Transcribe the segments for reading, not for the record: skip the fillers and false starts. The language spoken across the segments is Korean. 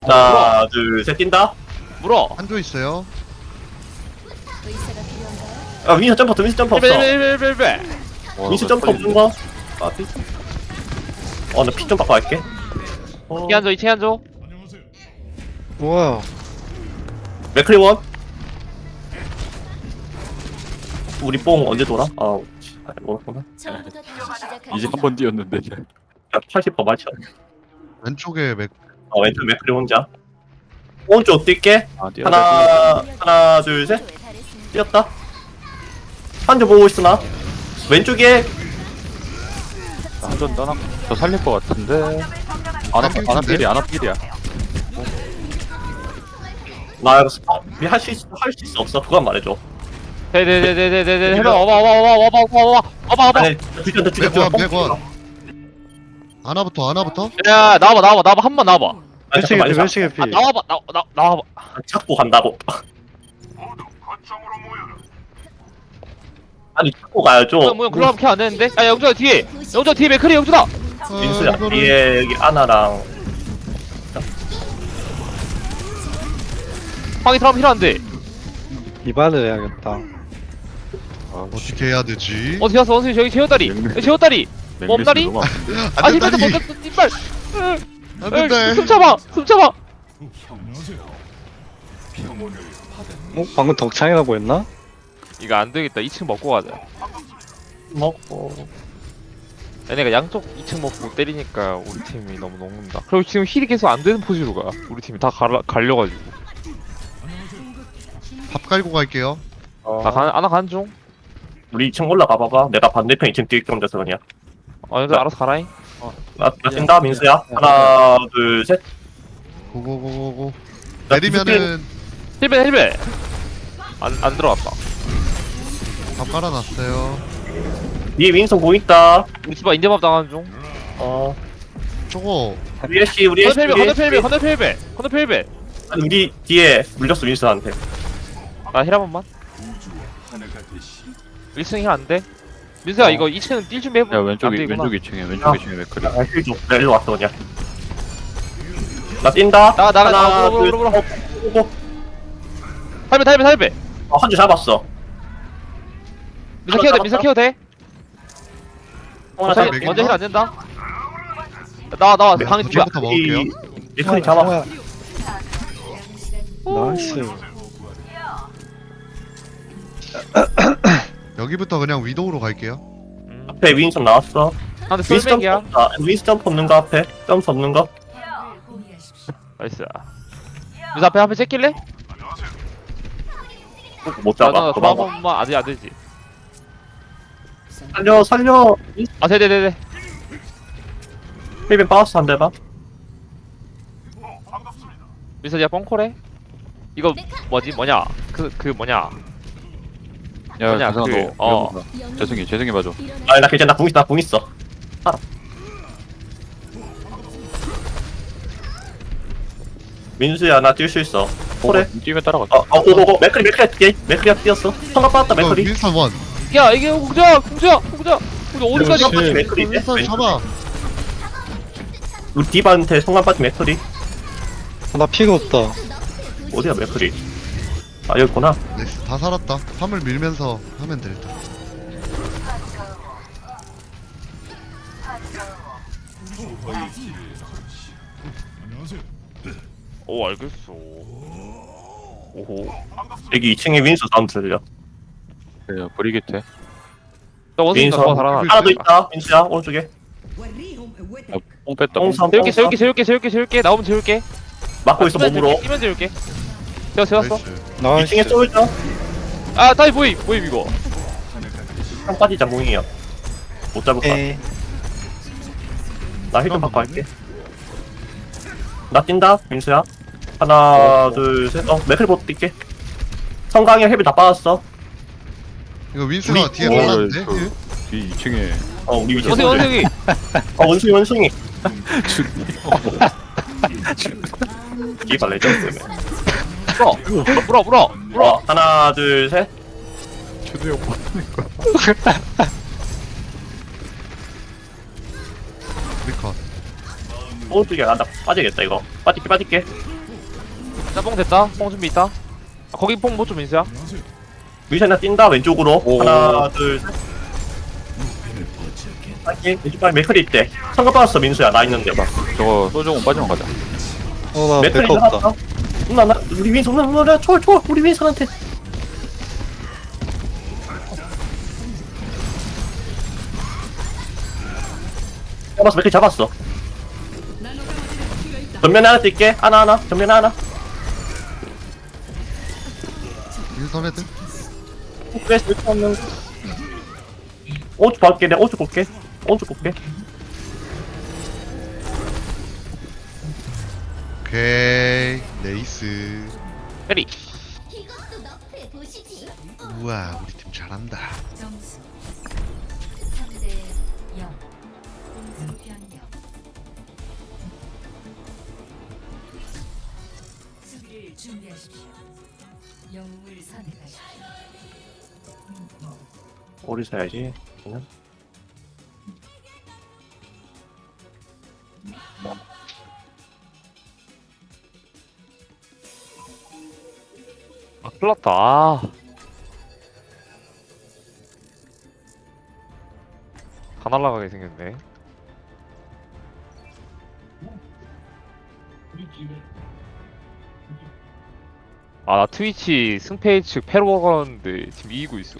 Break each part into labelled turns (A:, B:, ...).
A: 하나, 둘, 셋, 뛴다.
B: 물어.
C: 한조 있어요.
D: 의사가 필요한가요?
A: 아, 윈스 점프 없어, 윈스 점프 없어.
B: 벨벨벨벨벨.
A: 윈스 점프 없는 거. 아, 피. 나 피 좀 바꿔 갈게.
B: 이한조 2층 한조.
E: 뭐야?
A: 맥크리원. 우리 뽕 언제 돌아? 모르구나.
D: 처음부터 다시 시작할
F: 이제 한 번 뛰었는데.
A: 야, 80% 맞춰.
C: 왼쪽에 맥
A: 왼쪽 맥크리 혼자. 오른쪽 뛸게.
F: 아 뛰어.
A: 하나, 둘, 셋. 뛰었다. 한조 보고 있으나? 왼쪽에
F: 한전 떠나. 저 살릴 것 같은데. 아나필이 아나필이야.
A: 나 이거 할 수 있어 없어? 그건 말해줘.
B: 네네네네네네. 해봐. 와봐.
A: 아니, 죽여.
C: 맥원. 아나부터.
B: 야 나와봐 한 번 나와봐.
A: 아니,
E: 멸치게
A: 잠깐만,
E: 피, 멸치게 피.
B: 나와봐.
A: 찾고 간다고. 아니, 찾고 가야죠.
B: 뭐야 그럼 캐안 되는데? 야 영준아 뒤에 맥크리 영준아.
A: 민수야, 뒤에 여기 아나랑
B: 방이 들어가면 필요한데.
E: 이반을 해야겠다.
C: 어떻게 해야 되지?
B: 어디 갔어 원숭이 저기 제어다리. 제어다리. 몸다리? 아
C: 안
B: 힘들다
C: 된다니.
B: 못했어 이빨.
C: 안 된다.
B: 숨 참아.
E: 방금 덕창이라고 했나?
B: 이거 안 되겠다. 2층 먹고 가자.
A: 먹고.
B: 얘네가 양쪽 2층 먹고 때리니까 우리 팀이 너무 녹는다. 그리고 지금 힐이 계속 안 되는 포지로 가. 우리 팀이 다 갈려가지고.
C: 밥 깔고 갈게요.
B: 아나 간 중.
A: 우리 2층 올라가 봐봐. 내가 반대편 2층 뛸게 혼자서 그냥.
B: 얘들 알아서 가라잉.
A: 나 뛴다, 민수야. 하나, 둘, 셋.
C: 고고고고고.
A: 나
C: 내리면은
B: 힐벨. 안 들어갔다.
C: 밥 깔아놨어요.
A: 뒤에 윈성 뭐 있다.
B: 우리 집안 인제밥 당하는 중.
C: 저거
A: 우리 애쉬.
B: 건너필벨.
A: 아니, 우리 뒤에 물렸어, 윈스한테.
B: 나 힐 한 번만. 1층 힐 안 돼? 민수야 이거 2층 뛸 준비 해보.
F: 야 왼쪽
B: 안 되구나.
F: 2층에 왼쪽 2층에 맥크리.
A: 아, 힐 줘. 나 일로 왔어, 그냥. 나 뛴다.
B: 나가.
A: 하나, 둘,
B: 물어.
A: 오고.
B: 탈배.
A: 한줄 잡았어.
B: 민사 키워 돼?
A: 하나
C: 자,
A: 잡
C: 맥이
B: 먼저 힐
C: 있나?
B: 안 된다. 나와 방에 누구야?
C: 저부터 먹을게요.
A: 리콘이 잡아.
E: 나이스.
C: 여기부터 그냥 위도우로 갈게요.
A: 앞에 윈선 나왔어.
B: 근데
A: 윈스 점프
B: 솔맥이야.
A: 없다. 윈스 점프 없는 거 앞에. 점프 없는 거.
B: 나이스. 민사 앞에 째낄래?
A: 못 잡아.
B: 나
A: 도망가.
B: 도망만 안 되지.
A: 살려.
B: 아 네네네네.
A: 힐빈 빠졌어, 한 대봐.
B: 민서 야 뻥콜해? 이거 뭐냐? 그 뭐냐?
F: 야
B: 뭐냐,
F: 재성아
B: 그,
F: 너. 재성이 봐줘.
A: 아니, 나 괜찮아. 나 궁 있어. 알아. 민수야, 나 뛸 수 있어. 그래.
F: 뛰면 따라가.
A: 고고고. 맥크리가 뛰었어. 성각 받았다,
C: 이거
A: 맥크리.
C: 윈스턴 원.
B: 야 이게 공주야. 우리 어디까지?
E: 역시.
A: 빠진 맥크리인데?
C: 윈스턴 잡아.
A: 우리 디바한테 성각 빠진 맥크리.
E: 나 피가 없다.
A: 어디야, 맥크리? 아, 여기 있구나.
C: 나이스 다 살았다. 화물 밀면서 하면 될 듯.
B: 오 알겠어. 오호.
A: 여기 2층에 윈수 사운드 들려.
F: 그래 브리게트.
B: 나 원숭이가
A: 민서.
B: 더 달아나.
A: 하나 더 있다, 윈수야, 오른쪽에.
F: 뽕 뺐다.
A: 뽕삼.
B: 재울게. 나오면 재울게.
A: 막고 있어, 몸으로.
B: 뛰면 재울게. 재웠어.
C: 나이스.
A: 2층에
E: 나이스.
A: 쏠자.
B: 아 다이 보임 이거.
A: 한 빠지자, 몽이야. 못 잡을 거야.
E: 에이.
A: 나 힐좀 바꿔 할게. 나 뛴다, 민수야. 하나, 둘, 셋. 맥크리 보트 뛸게. 성강이 헬비 다 빠졌어.
C: 이거 윈스가
A: 우리-
C: 뒤에
A: 어,
C: 발랐는데?
F: 뒤 2층에
A: 우리 위치.
B: 원숭이.
A: 원숭이. 기발 레전드.
B: 물어.
A: 하나, 둘, 셋.
F: 주도형
C: 리컷.
A: 오른쪽에 간다. 빠지겠다, 이거. 빠질게.
B: 나뽕 됐다. 뽕 준비 있다. 아, 거기 뽕 못 좀 민수야.
A: 위선이나 뛴다 왼쪽으로.
F: 오.
A: 하나 둘 셋. 빠지. 왼쪽 방에 맥클이 있대. 성급 받았어 민수야. 나 있는데.
F: 저거 소중은 빠지면 가자.
E: 나
A: 맥클이
E: 백화 없다.
A: 나갔다. 나 우리 윈선 나 초월 우리 윈선한테. 잡았어 맥클 잡았어. 전면에 하나 뛸게. 하나 전면에 하나.
C: 윈선 헤드.
A: 프레스 이렇게 하면 오른쪽 볼게. 내가 오른쪽 볼게.
C: 오케이. 네이스.
B: 페리.
D: 이것도 너프해 보시지.
C: 우와, 우리 팀 잘한다.
D: 점수 3대 0. 공수 변경. 수비를 준비하십시오. 영웅을 선택하십시오.
A: 오리 사야지. 그냥.
B: 아, 큰일났다. 아. 다 날라가게 생겼네. 아, 나 트위치 승패 측 패로 가는데 지금 이기고 있어.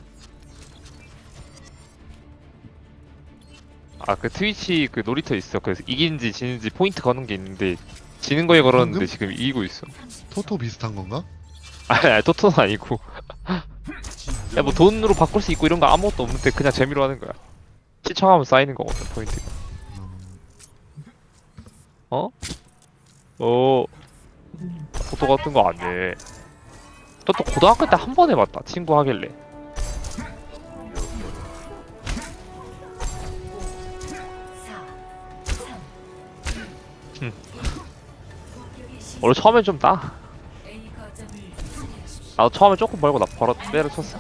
B: 아, 그 트위치 그 놀이터 있어. 그래서 이긴지 지는지 포인트 거는 게 있는데 지는 거에 걸었는데
C: 방금?
B: 지금 이기고 있어.
C: 토토 비슷한 건가?
B: 아니, 토토는 아니고. 야, 뭐 돈으로 바꿀 수 있고 이런 거 아무것도 없는데 그냥 재미로 하는 거야. 시청하면 쌓이는 거거든, 포인트가. 어? 토토 같은 거 안 해. 토토 고등학교 때 한 번 해봤다, 친구 하길래. 원래 처음엔 좀 따. 나도 처음에 조금 벌고 나 바로 때려쳤어.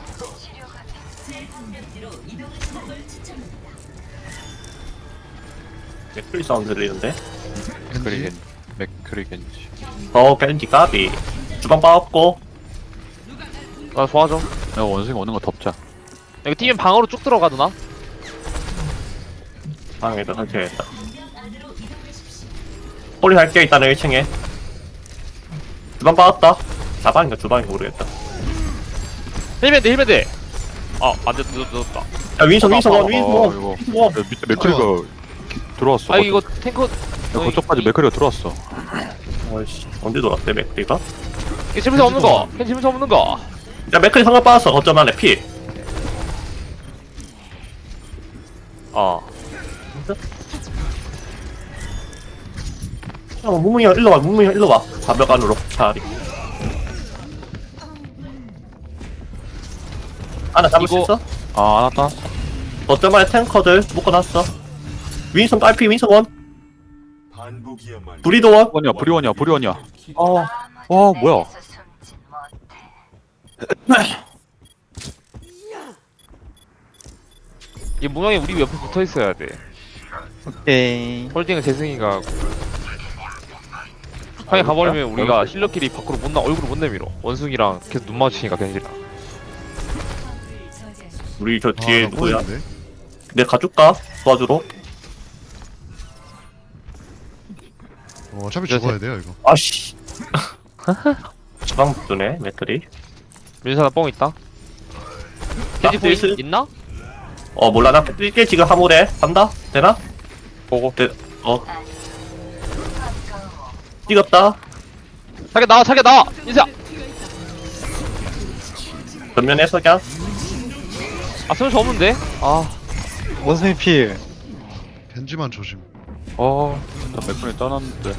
A: 맥클리 사운드 들리는데?
C: 겐지.
F: 맥크리 겐지.
A: 겐지 까비. 주방 빠졌고.
B: 나 좋아져.
F: 내가 원숭이 오는 거 덮자.
B: 이거 뛰면 방으로 쭉 들어가드나?
A: 방에다 설치해야겠다. 홀리 할게 일단은 1층에. 주방 빠졌다. 자방인가 주방인가 모르겠다.
B: 힐밴드. 아, 안 됐다, 늦었다.
A: 야 윈선
F: 이거 밑에 맥크리가 들어왔어.
B: 아, 이거 탱커.
F: 야, 그쪽까지 맥크리가 들어왔어.
A: 어이씨 언제 돌았대 맥클리가?
B: 이게 집에서 없는 거. 캔 집에서 없는 거.
A: 야 맥클리 상관 빠졌어. 거점 안에 피.
B: 아,
A: 야 무무이 형 일로 와. 무무이 형 일로 와. 가벽 안으로 차라리. 하나 잡을 수
B: 이거-
A: 있어?
F: 아, 안 왔다.
A: 거점 안에 탱커들 묶어놨어. 윈선 딸피 윈선 원. 브리도 원.
F: 브리원이야.
A: 어.
F: 와, 뭐야.
B: 이 문영이 우리 옆에 붙어 있어야 돼.
E: 오케이.
B: 홀딩은 재승이가. 형이 가버리면 우리가 힐러끼리 밖으로 얼굴을 못 내밀어. 원숭이랑 계속 눈 마주치니까 겐지랑.
A: 우리 저 뒤에
C: 아, 나
A: 누구야?
C: 보이는데?
A: 내가 가줄까? 도와주러?
C: 어차피 죽어야 돼요 이거.
A: 아씨. 주방 붙네 맥클이.
B: 민선아 뽕 있다.
A: 나
B: 겐지 보이
A: 뛸
B: 있나?
A: 몰라 나 뛸게 지금 화물에 간다? 되나?
F: 보고.
A: 찍었다.
B: 자기 나와! 인수야!
A: 전면에서 그냥
B: 아, 소용이 없는데? 아,
E: 원숭이 필.
C: 겐지만 조심.
F: 나 맥크리 떠났는데.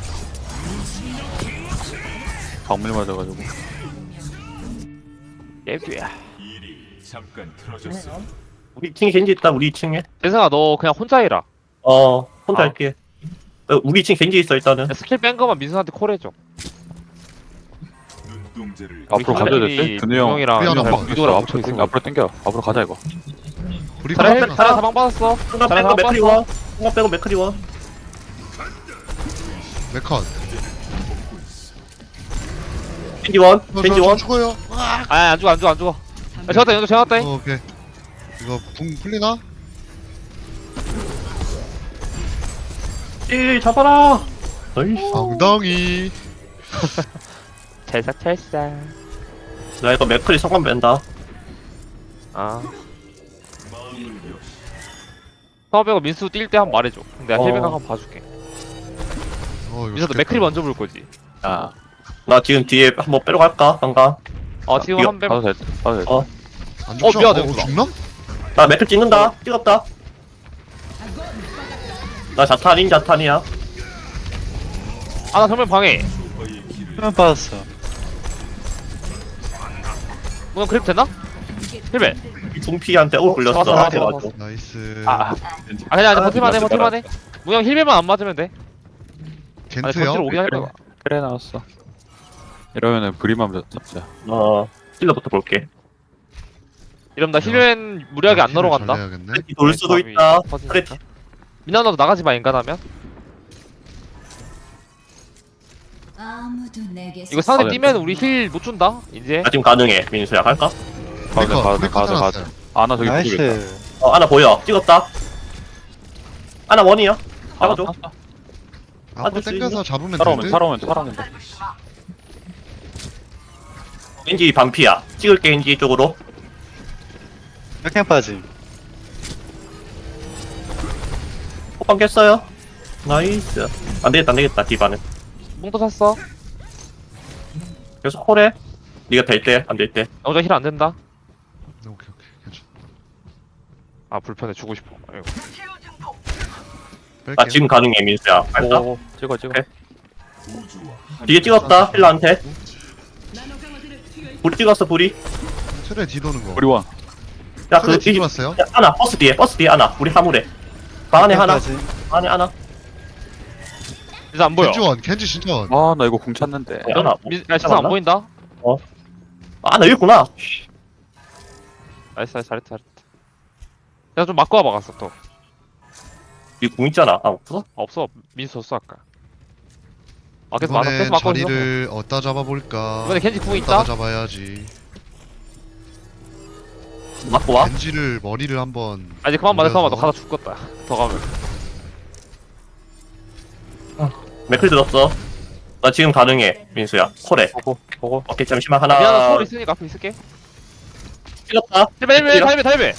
F: 방밀 맞아가지고.
B: 예비야.
A: 우리 2층에 겐지 있다. 우리 2층에
B: 재승아, 너 그냥 혼자 해라.
A: 혼자
B: 아.
A: 할게. 우리 2층 겐지 있어 일단은.
B: 야, 스킬 뺀 거만 민선한테 콜해줘.
F: 앞으로 가져야 될 때? 근우 형.
B: 형이랑
C: 미안하다.
F: 막
B: 유도랑
F: 앞으로
B: 붙어
F: 땡겨. 앞으로 땡겨. 앞으로 가자, 이거.
C: 우리
B: 잘해,
C: 파라
B: 잘해, 사방 받았어.
A: 순간
B: 잘해,
A: 빼고
B: 사방
A: 맥크리
B: 받았어.
A: 원. 순간 빼고 맥크리 원.
C: 메컷.
A: 겐지 원,
C: 저
A: 겐지 원.
C: 죽어요.
B: 안 죽어 안 죽어 안 죽어. 아 제압다 연도 제압다.
C: 오케이. 이거 붕 풀리나?
A: 잡아라. 나이스.
C: 엉덩이.
B: 찰싹찰싹.
A: 나 이거 맥클이 성감 뺀다.
B: 아. 서베가 민수 뛸 때 한 번 말해줘. 내가
A: 어.
B: 힐백 한번 봐줄게.
C: 이거
B: 민수 너
C: 죽겠다.
B: 맥클이 먼저 볼 거지.
F: 아,
A: 나 지금 뒤에 한번 빼러 갈까? 방가.
B: 지금
A: 이거
B: 한 배.
F: 봐도 돼. 봐도 돼.
A: 어.
C: 안 죽죠?
B: 미안해, 누나.
C: 죽나?
A: 나 맥클 찍는다. 찍었다. 나 자탄이야.
B: 나 정면 방해.
E: 수면 빠졌어.
B: 너 그립 됐나? 힐백.
A: 둥피한테 굴렸어.
B: 잡았어,
A: 그래가지고.
B: 잡았어.
C: 나이스.
B: 그냥
A: 아,
B: 버티만 해
A: 맞다,
B: 버티만 해. 무형 힐백만 안 맞으면 돼. 아니
C: 겐트요?
B: 전체로 오긴 할
F: 그래.
B: 거야.
F: 그래 나왔어. 이러면은 브리만 잡자.
A: 힐러부터 볼게.
B: 이러면 나 힐벤 무리하게 안 넣으러 간다.
C: 잘해야겠네.
A: 돌 수도 있다. 그래.
B: 민아 너도 나가지 마 인간하면.
D: 아무도 내게
B: 이거 상대
F: 네.
B: 뛰면 우리 힐 못 준다. 이제.
A: 나 지금 가능해. 민수야 갈까?
F: 봐도 돼. 봐도 돼.
C: 브리커
F: 봐도 돼. 봐도
C: 찾아놨어요.
F: 돼. 아나 저기 보겠다.
E: 나이스.
A: 하나 보여. 찍었다. 하나 원이야. 잡아줘.
C: 앞으로
A: 아줄 수
C: 당겨서 잡으면
F: 살아오면
C: 되는데?
F: 살아오면 돼.
A: 겐지 반피야. 찍을게 겐지 쪽으로.
E: 역행 빠짐.
A: 호빵 깼어요. 나이스. 안되겠다 디바는.
B: 뽕도 샀어.
A: 계속 콜해. 니가 될 때 안 될 때.
B: 영자 힐 안 된다.
C: 오케이 괜찮아.
B: 아 불편해 주고 싶어. 아이고.
A: 나
C: 뺄게요.
A: 지금 가능해 민수야. 갈까?
F: 오, 찍어.
A: 오케이. 뒤에 찍었다 힐러한테. 불 찍었어 불이.
C: 트레 뒤도는 거.
F: 우리 원.
A: 야그
C: 트레 뒤돌았어요?
A: 하나 버스 뒤에 하나. 우리 화물에. 방 안에 하나.
E: 빠짐.
A: 방 안에 하나.
B: 민수 안 보여.
C: 겐지 원, 겐지 진짜 원.
F: 아, 나 이거 공 찾는데.
A: 하나.
B: 야 진짜 안 보인다.
A: 나 여기 있구나.
B: 나이스 잘했다. 내가 좀 맞고 와봐 갔어 또.
A: 이궁 있잖아. 없어?
B: 없어 민수 없어 아까. 계속 맞아
C: 이번엔
B: 계속 맞고 있어.
C: 자리를 어디다 잡아볼까?
B: 이번에 겐지 궁
C: 어디다가
B: 있다.
C: 잡아야지.
A: 맞고 와.
C: 겐지를 머리를 한번.
B: 이제 그만 맞아 그만 맞아.
C: 올려서.
B: 가다 죽겠다. 더 가면.
A: 맥클 들었어. 나 지금 가능해 민수야. 콜해.
F: 보고.
A: 오케이 잠시만
B: 미안한
A: 하나.
B: 소울 있으니까 앞에 있을게.
A: 찍었다.
B: 힐베 달배.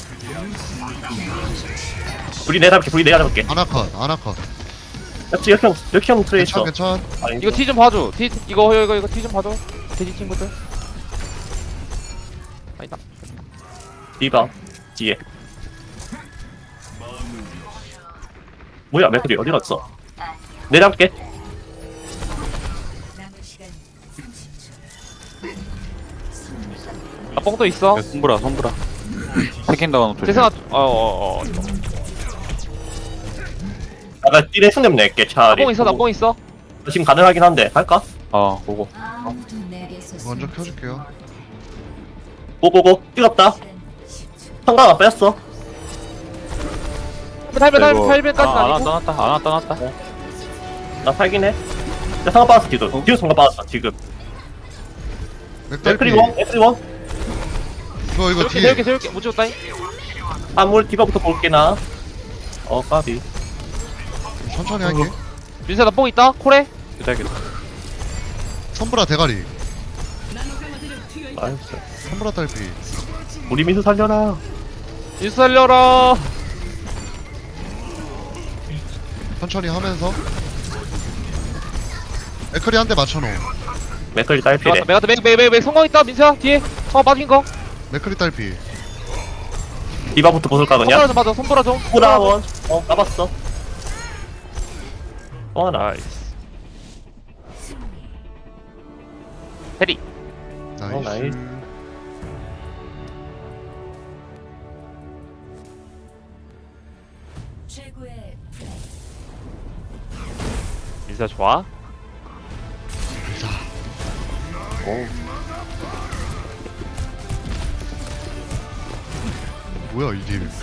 A: 불이 내가 잡을게.
C: 아나컷.
A: 역시 역형 트레 있어.
C: 괜찮.
B: 이거 티 좀 봐줘. 이거 티 좀 봐줘. 돼지 친구들. 아니다.
A: 디바 뒤에. 뭐야 맥클이 어디 갔어? 내려갈게.
D: 남은 시간 30초.
B: 나 뽕도 있어.
F: 손브라. 세킹 당하는 조심.
B: 재승아
A: 나가 띠레 승점 낼게 차라리.
B: 나 뽕 있어.
A: 지금 가능하긴 한데 할까?
F: 보고.
D: 아무도 내게서
C: 먼저 켜줄게요.
A: 고고고 찍었다.
D: 시간 10초.
A: 성광아 뺐어.
B: 달배까지는
F: 아나
B: 아니고.
F: 떠났다.
A: 나 살긴 해. 나 성광 빠졌어 뒤도 성광 빠졌어 지금.
C: 맥달피.
A: 맥클이 원.
C: 이거 뒤에.
B: 세울게 못 찍었다잉.
A: 아물 디바부터 볼게 나. 까비.
C: 천천히 할게.
B: 민수야 나 뽕 있다. 콜해.
F: 기다려.
C: 선브라 대가리.
A: 나이스.
C: 선브라 딸피.
A: 우리 민수 살려라.
B: 민수 살려라.
C: 천천히 하면서. 맥클이 한 대 맞춰놓음.
A: 맥클이 딸피래.
B: 맥 성공 있다. 민수야 뒤에. 빠진 거.
C: 맥클이 딸피.
A: 디바부터 벗을까 그냥?
B: 손보라 좀 맞아. 손보라 좀.
A: 후라원. 까봤어. 하나.
B: 나이스. 해리.
C: 나이스.
A: 나이스.
D: 최고의 플레이.
B: 민수야 좋아.
C: 뭐야 이 딜.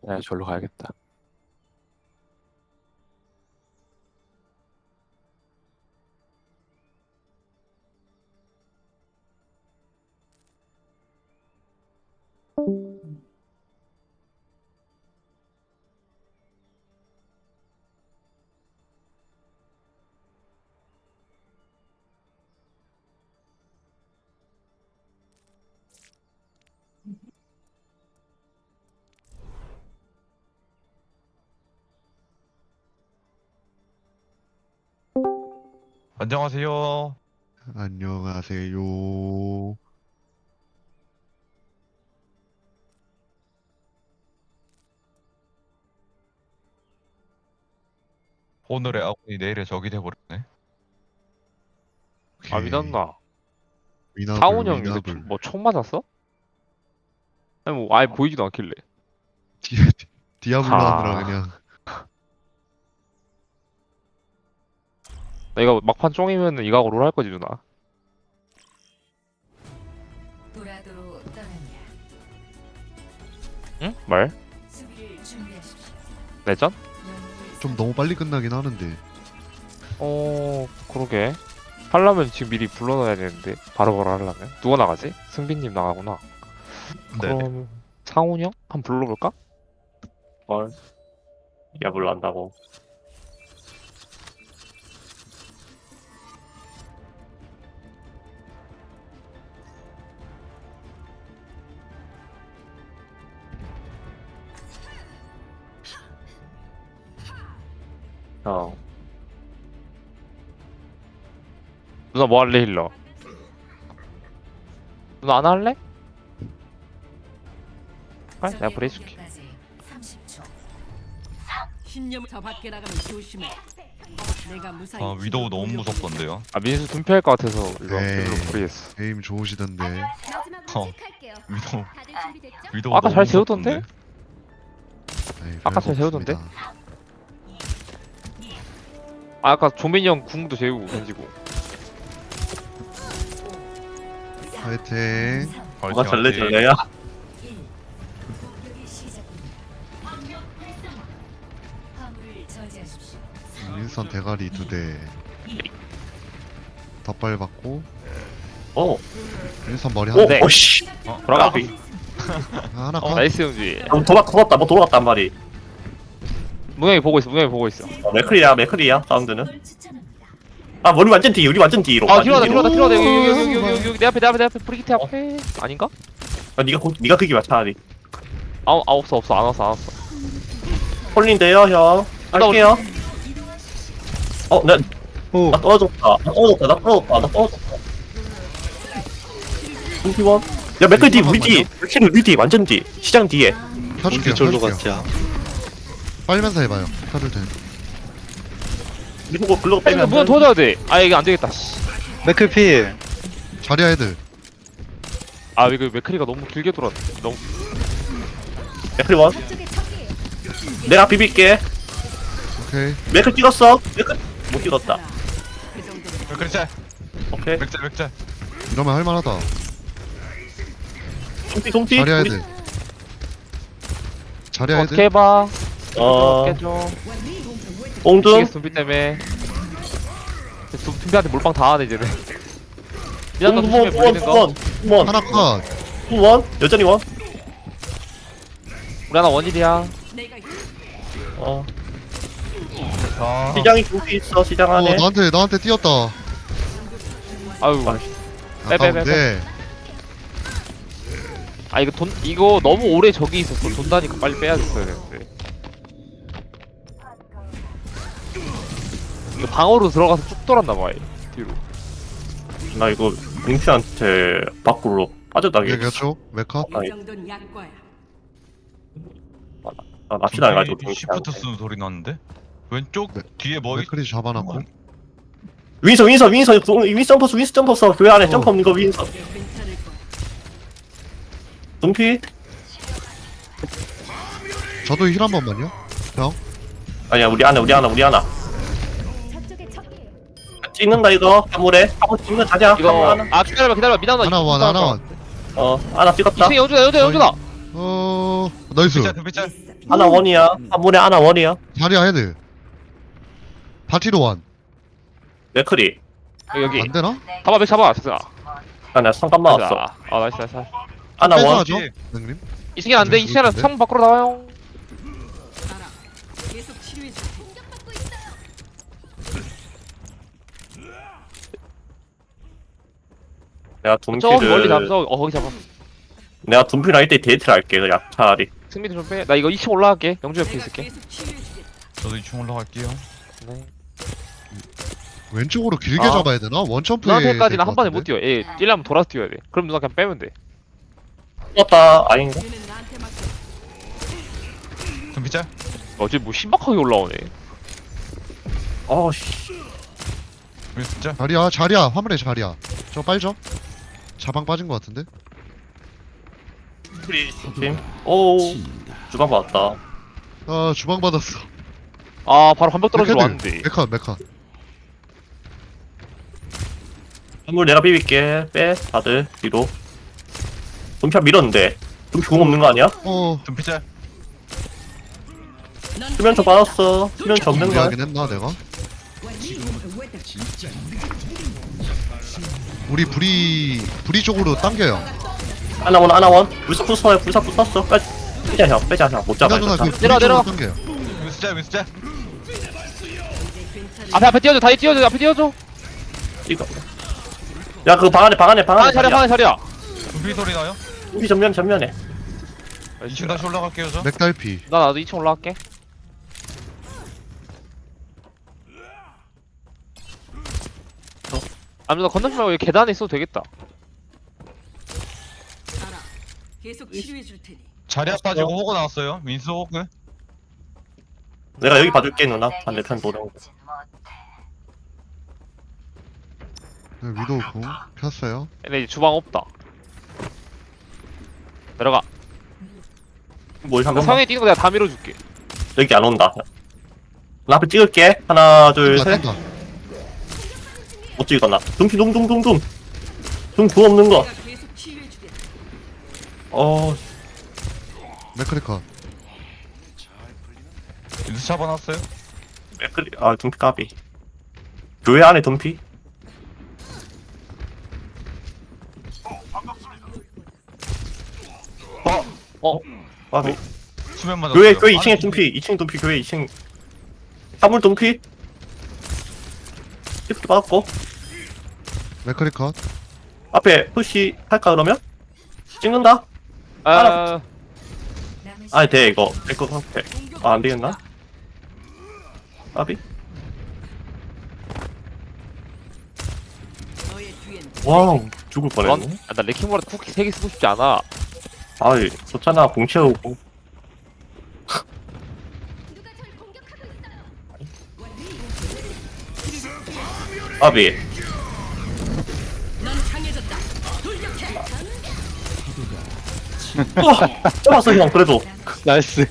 F: 네, 절로 가야겠다.
G: 안녕하세요.
C: 안녕하세요.
G: 오늘의 아군이 내일의 적이 돼버렸네.
B: 아 미났나?
C: 미나블,
B: 사훈 형 요새
C: 미나블.
B: 뭐총 맞았어? 아니 뭐 아예 보이지도 않길래.
C: 디아블로
B: 아.
C: 하느라 그냥.
B: 나 이거 막판 쫑이면은 이거 롤 할 거지 누나.
D: 도라도로 떠납니다.
B: 응? 말?
D: 수비를 준비하십시오.
B: 내전?
D: 영웅을
C: 좀 너무 빨리 끝나긴 하는데.
B: 그러게. 하려면 지금 미리 불러놔야 되는데 바로바로 하려면 누가 나가지? 승빈님 나가구나.
G: 네.
B: 그럼 상훈이 형? 한번 불러볼까?
A: 헐. 야불로 한다고.
B: 누나 뭐 할래 힐러? 누나 안 할래? 아, 내가 브레 해줄게.
D: 30초.
H: 신념을 저 밖에 나가면 조심해. 내가 무사히
G: 아 위도우 너무 무섭던데요.
B: 아 민수 둔피할 것 같아서 이거
C: 에이.
B: 별로 브레했어.
C: 에임 좋으시던데.
G: 어. 위도우 위도우
B: 아까
G: 너무
B: 잘 세우던데?
G: 무섭던데?
C: 에이,
B: 아까
C: 별거
B: 잘 세우던데?
C: 없습니다.
B: 아 아까 조민이 형 궁도 재우고 던지고.
C: 화이팅.
A: 뭐가 절레절레야?
D: 공격이 시작됩니다. 화물을 저지하십시오.
C: 윈선 대가리 2대. 덧발 받고.
A: 어.
C: 윈선 머리
A: 오,
C: 한 대.
B: 네.
A: 오씨.
B: 돌아가.
C: 하나 컷.
B: 나이스 형지.
A: 도망갔다, 뭐 도망갔단 말이.
B: 무영이 보고 있어. 무영이 보고 있어.
A: 맥클이야, 사운드는.
D: 걸 추천합니다.
A: 아, 우리 완전 뒤, 우리 완전 뒤로.
B: 아
A: 완전
B: 뒤로
A: 뒤로.
B: 가다 뒤로 가다 여기 내 앞에 브리기트 앞에 아닌가?
A: 아, 니가 크기 맞 차라리.
B: 없어 안 왔어.
A: 홀린데요, 형. 할게요.
E: 오.
A: 나 떨어졌다. 공기원. 야, 맥클 뒤, 우리 뒤. 맥클 우리 뒤, 완전 뒤. 시장 뒤에.
C: 켜줄게요.
E: 졸로
C: 켜줄게요.
E: 같지야.
C: 빨면서 해봐요. 켜줄 때.
A: 이거 글로
B: 이거
A: 빼면.
B: 무영 도와줘야 돼. 아 이게 안 되겠다. 씨.
E: 맥클필.
C: 자리야 애들.
B: 아 이거 맥크리가 너무 길게 돌았. 너무
A: 맥클 원. 내가 비빌게.
C: 오케이.
A: 맥클 찍었어. 맥클 못 찍었다.
H: 그 정도로
G: 맥그리짤
A: 오케이.
G: 맥짤
C: 이러면 할만하다.
A: 동티.
C: 자리야 애들. 자리야
B: 어떻게
C: 애들.
B: 해봐. 깨줘.
A: 옹둥.
B: 미치겠어 둠피 때문에. 둠피한테 몰빵 다 하네 이제는. 미안다 조심해 보이는 거.
A: 원.
C: 하나 컷.
A: 원. 여전히 원.
B: 우리 하나 원일이야.
H: 내가
G: 아
A: 시장이 동티 있어. 시장 안에.
C: 나한테 뛰었다.
B: 아유. 빼.
C: 네.
B: 아 이거 너무 오래 저기 있었어. 돈다니까 빨리 빼야겠어야 되는데. 이거 방어로 들어가서 쭉 돌았나봐 뒤로.
A: 나 이거 링피한테 밖으로 빠져나게.
C: 얘기했죠? 메카?
A: 아니.
H: 이 정도는 약과야.
A: 아, 납치당 해가지고
G: 시프트 쓰는 소리 났는데? 왼쪽
C: 네.
G: 뒤에 뭐 있...
C: 맥크리 잡아놨고.
A: 윈선 점퍼스 교회 안에 점프 없는 거 윈선.
H: 괜찮을 거야.
A: 동피.
C: 저도 힐 한 번만요. 형.
A: 아니야 우리 하나. 찍는다 이거 화물에. 화물 찍는 가자.
B: 이거
A: 하나.
B: 기다려봐 미나나
C: 하나 원.
A: 하나 찍었다.
B: 2층에 연주다.
C: 어, 나이스.
G: 둠피짤.
A: 하나 원이야. 한문에 하나 원이야.
C: 자리야 헤드. 바티로 완.
A: 맥크리.
B: 여기
C: 안 되나?
B: 잡아 맥 잡아 됐어.
A: 아, 나 성감 맞았어.
B: 아 나이스 나이스.
A: 하나 원.
C: 뺏어가죠, 형님.
B: 이 시간 안돼 이 시간은 창문 밖으로 나와요.
H: 알아. 계속 치료해 줄 테니.
A: 내가
B: 저기 멀리
A: 둠피를
B: 잡서 거기 잡아.
A: 내가 둠피랑 이때 데이트를 할게. 그냥 차라리.
B: 승민이 좀 빼. 나 이거 2층 올라갈게. 영주 옆에
H: 내가
B: 있을게.
H: 계속 치료해 주겠다.
G: 저도 2층 올라갈게요.
B: 네.
C: 왼쪽으로 길게
B: 아.
C: 잡아야 되나? 원점프에
B: 누나한테까지는 한 번에 못 뛰어. 얘 뛰려면 돌아서 뛰어야 돼. 그럼 누나 그냥 빼면 돼.
A: 떴다. 아닌가?
H: 얘는 나한테 맡겨.
G: 둠피짤.
B: 어제 뭐 신박하게 올라오네.
A: 어씨.
G: 윈스짤.
C: 자리야 화물에 자리야. 저 빨죠? 자방 빠진 것 같은데?
A: 팀. 오. 주방 받았다.
C: 아 주방 받았어.
B: 아 바로 반벽 떨어지러
C: 메카드.
B: 왔는데.
C: 메카.
A: 한물 내가 비빌게. 빼. 다들 뒤로. 둠피 밀었는데. 둠피 공 없는 거 아니야?
G: 둠피짤.
A: 수면초 받았어. 수면초 없는 거야.
C: 준비하긴 했나 내가? 우리 불이 쪽으로 당겨요.
A: 하나 원, 하나 원. 불사 부숴요. 불사 부쉈어. 빼자 형. 빼자 형. 못 잡아.
C: 누나 그
A: 이거.
C: 불이
B: 내려와,
C: 쪽으로
B: 내려와.
C: 당겨요.
G: 윈스짤.
B: 앞에 뛰어줘. 다리 뛰어줘. 앞에 뛰어줘.
A: 이거. 야 그거 방 안에.
B: 하나 자리야 하나 자리야.
G: 둠피 소리 나요?
A: 둠피 전면에.
G: 2층 다시 올라갈게요 저.
C: 맥달피.
B: 나도 2층 올라갈게. 아무나 건너지 말고 여기 계단에 있어도 되겠다.
H: 알아. 계속 치료해 줄 테니.
G: 자리야 빠지고 호그 나왔어요. 윈스 호그.
A: 내가 여기 봐줄게 누나. 반대편 도령.
C: 위도우 궁 폈어요.
B: 근데 이제 주방 없다. 내려가.
A: 뭘
B: 나
A: 한번
B: 상에 뛰는 거 내가 다 밀어줄게.
A: 여기 안 온다. 나 앞에 찍을게. 하나 둘 셋.
C: 뛴다.
A: 못 찍었나? 둠피 둥둥둥둥. 둠구 없는 거.
H: 내가 계속 치료해 주겠다.
C: 맥크리카.
G: 윈스 잡아놨어요.
A: 둠피 까비. 교회 안에 둠피. 까비.
G: 수면 맞았어요.
A: 교회 2층에 둠피. 2층 둠피 교회 2층. 사물 둠피. 시프트 받았고.
C: 맥크리카.
A: 앞에 푸시 할까 그러면? 찍는다?
B: 아,
A: 아니 돼 이거. 될것 같아. 아 안되겠나? 까비.
H: 너의 뒤엔
A: 와우 죽을 뻔했네.
B: 나 레킹볼에 쿠키 3개 쓰고 싶지 않아.
A: 아이 좋잖아 공 채우고. 까비.
H: 넌 강해졌다. 돌격해.
A: 와 잡았어 형 그래도.
E: 나이스.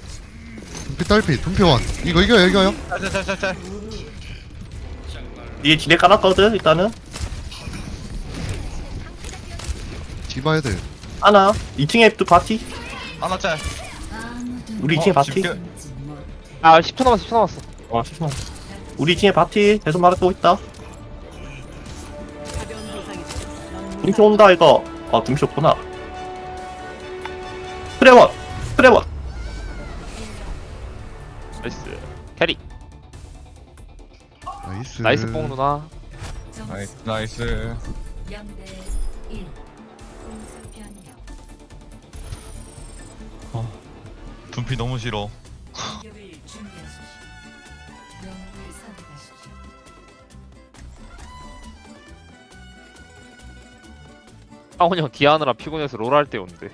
C: 둠피 완. 이거 이겨요.
G: 짤짤짤짤.
A: 뒤에 지뢰 깔았거든 일단은.
C: 디바 헤드.
A: 하나 2층에 또 바티.
G: 하나 짤.
A: 우리 2층에 바티.
G: 집게.
B: 아 10초 남았어 10초 남았어.
A: 잠시만. 우리 2층에 바티 계속 말하고 있다.
H: 가벼운 부상이다. 넌
A: 둠피 온다 이거. 아 둠피 없구나. 트레원.
B: 나이스. 캐리.
C: 나이스.
B: 나이스 뽕 누나.
G: 나이스.
D: 0대 1. 공수 변경.
G: 둠피 너무 싫어.
D: 공격을 준비하십시오. 영웅을 선택하십시오.
B: 상훈이 형 디아느라 피곤해서 롤 할 때 온대.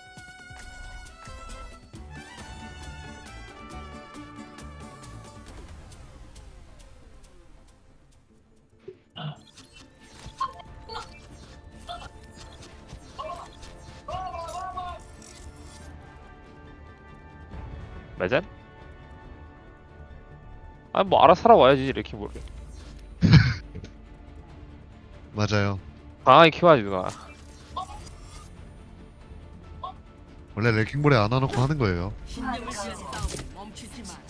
B: 매젠? 아니 뭐 알아서 살아와야지 레킹볼을.
C: 맞아요.
B: 강하게 키워야지 누나.
C: 원래 레킹볼에 안 와놓고 하는 거예요.
H: 신념을 위한 싸움 멈추지 마.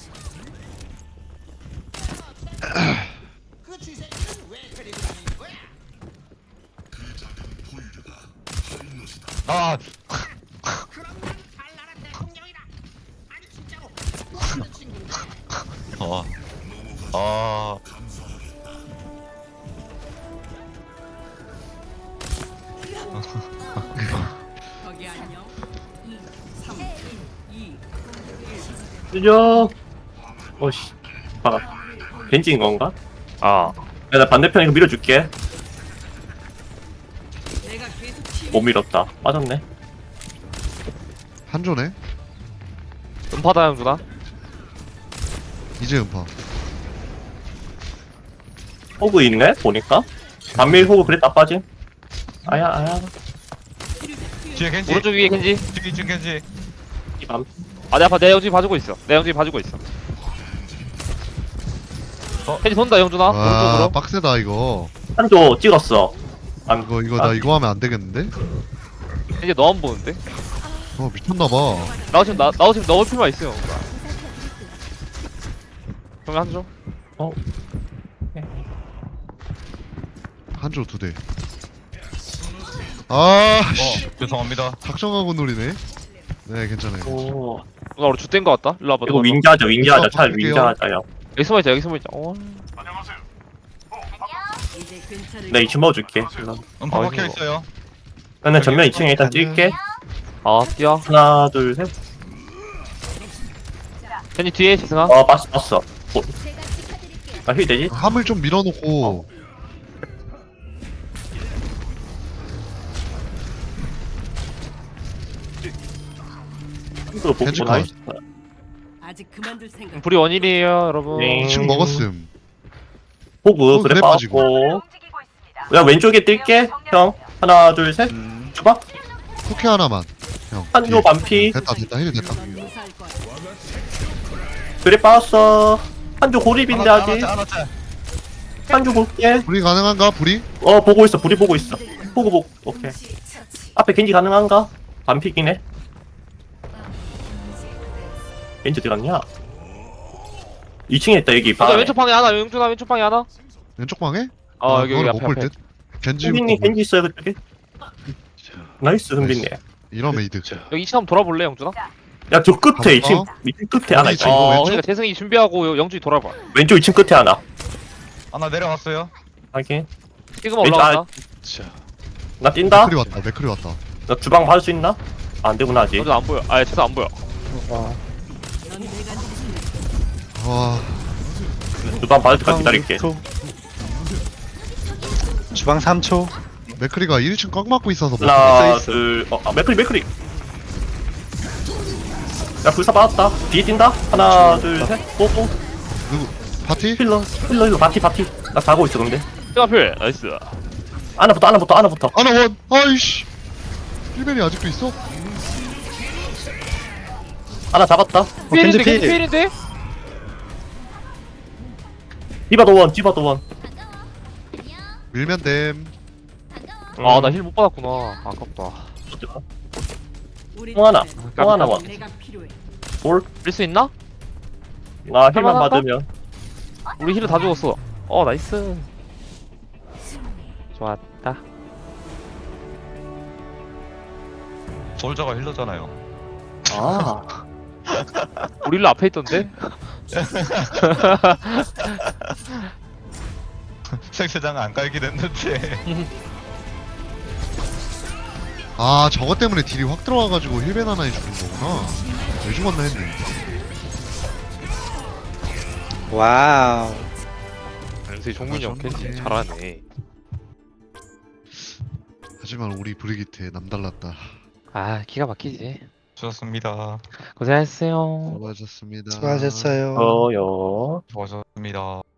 G: 아 어. 아
H: 거기 안녕. 3, 2,
A: 들려. 어씨. 아, 벤지인 건가?
B: 아
A: 야, 나 반대편 이거 밀어줄게.
H: 내가 계속 치유.
A: 못 밀었다. 빠졌네.
C: 한조네.
B: 음파다 영준아.
C: 이제 음파.
A: 호그 있네? 보니까. 반밀 호그 그랬다 빠짐. 아야.
G: 뒤에 겐지
B: 오른쪽 위에 겐지.
G: 뒤에 겐지
A: 이 밤.
B: 아 내 아파 내 영준이 봐주고 있어. 내 영준이 봐주고 있어. 겐지 돈다 영준아.
C: 와
B: 오른쪽으로.
C: 빡세다 이거.
A: 한조 찍었어. 안,
C: 이거 나 이거 하면 안 되겠는데?
B: 겐지 너만 보는데.
C: 미쳤나봐.
B: 나도 지금 나도 지금 넣을 필요가 있어요. 그러면 한조.
C: 한조 2대. 아 씨.
G: 죄송합니다.
C: 작정하고 노리네. 네 괜찮아요.
A: 오.
B: 누나 우리 좆된 거 같다. 일로 와봐.
A: 이거
B: 누나.
A: 윈자하자, 윈자하자.
C: 이거
A: 차라리
C: 바꿀게요.
A: 윈자하자, 야.
B: 여기 숨어 있자. 여기 숨어 있자.
H: 이제 괜찮을
A: 내 2층 먹어줄게.
G: 음파
B: 아,
G: 박혀
B: 이거.
G: 있어요.
A: 나는 전면 2층에 일단 찔게.
B: 아 뛰어.
A: 하나, 둘, 셋.
B: 겐지 뒤에 지승아.
A: 봤어. 나힐 되지?
C: 함을 좀 밀어놓고
A: 이거 보고
C: 겐지
A: 나이스.
H: 아직 그만둘 생각.
B: 불이 원일이에요 여러분.
A: 네.
C: 2층 먹었음.
A: 호그, 그래
C: 그래
A: 빠졌고. 야, 왼쪽에 뛸게. 형. 하나, 둘, 셋. 줘봐.
C: 쿠키 하나만. 형.
A: 한조
C: 뒤에.
A: 반피.
C: 됐다 힐이 됐다.
H: 넌 무사할 거야.
A: 그래 빠졌어. 한조 고립인데 아직.
G: 하나
A: 한조 볼게.
C: 불이 가능한가? 불이?
A: 보고 있어. 불이 보고 있어. 호그 보고. 오케이. 앞에 겐지 가능한가? 반피기네. 겐지 어디 갔냐? 2층에 있다 여기.
B: 맞아 왼쪽 방에 하나. 영준아 왼쪽 방에 하나.
C: 왼쪽 방에?
B: 여기
C: 그거는
B: 앞에
C: 못볼
B: 앞에.
C: 듯. 겐지
A: 흥빈님 겐지 있어요 그쪽에. 나이스 흥빈님.
C: 이러면 이득.
B: 여기 2층 한번 돌아볼래 영준아?
A: 야 저 끝에
C: 가볼까?
A: 2층 밑에 끝에 하나 있다.
C: 이거 왼쪽?
B: 그러니까 재승이 준비하고 영준이 돌아봐.
A: 왼쪽 2층 끝에 하나.
G: 하나 내려갔어요.
A: 확인.
B: 지금
A: 왼쪽
B: 올라간다.
A: 나 뛴다.
C: 맥클이 왔다. 맥클이 왔다.
A: 나 주방 받을 수 있나? 안 되구나 아직.
B: 영준 안 보여. 재승 안 보여.
H: 넌 내가 지키는
C: 와
A: 주방 받을 때까지 기다릴게.
E: 주방 3초.
C: 맥클이가 1층 꽉 막고 있어서 못
A: 하나
E: 있어.
A: 둘. 맥크리. 야 불사 받았다. 뒤에 뛴다. 하나 둘 셋. 뽀뽀.
C: 누구? 파티?
A: 힐러 바티. 나 가고 있어 근데.
B: 지금 앞에 나이스.
A: 하나부터.
C: 아나 원! 아이씨! 1벤이 아직도 있어?
A: 하나 잡았다.
B: 필인데
E: 겐지 필.
B: 필인데?
A: 디바도 원.
C: 밀면 됨.
B: 나 힐 못 받았구나. 아깝다.
H: 우리
A: 통 하나.
H: 팀엔
A: 통 하나 원.
H: 내가 필요해.
A: 볼.
B: 밀 수 있나?
A: 나 힐만
B: 할만할까?
A: 받으면.
B: 우리 힐을 다 죽었어. 나이스. 좋았다.
G: 솔저가 힐러잖아요.
A: 아.
B: 우리 힐러 앞에 있던데?
G: 생세장 안 깔게 됐는데.
C: 아 저것 때문에 딜이 확 들어와가지고 힐벤 하나에 죽은 거구나. 왜 죽었나 했네.
E: 와우.
B: 연세 종민이 형 캔지
C: 좋네.
B: 잘하네.
C: 하지만 우리 브리기트에 남달랐다.
B: 기가 막히지.
G: 좋았습니다.
B: 고생하셨어요.
C: 수고하셨습니다.
E: 수고하셨어요.
A: 저요.
G: 좋았습니다.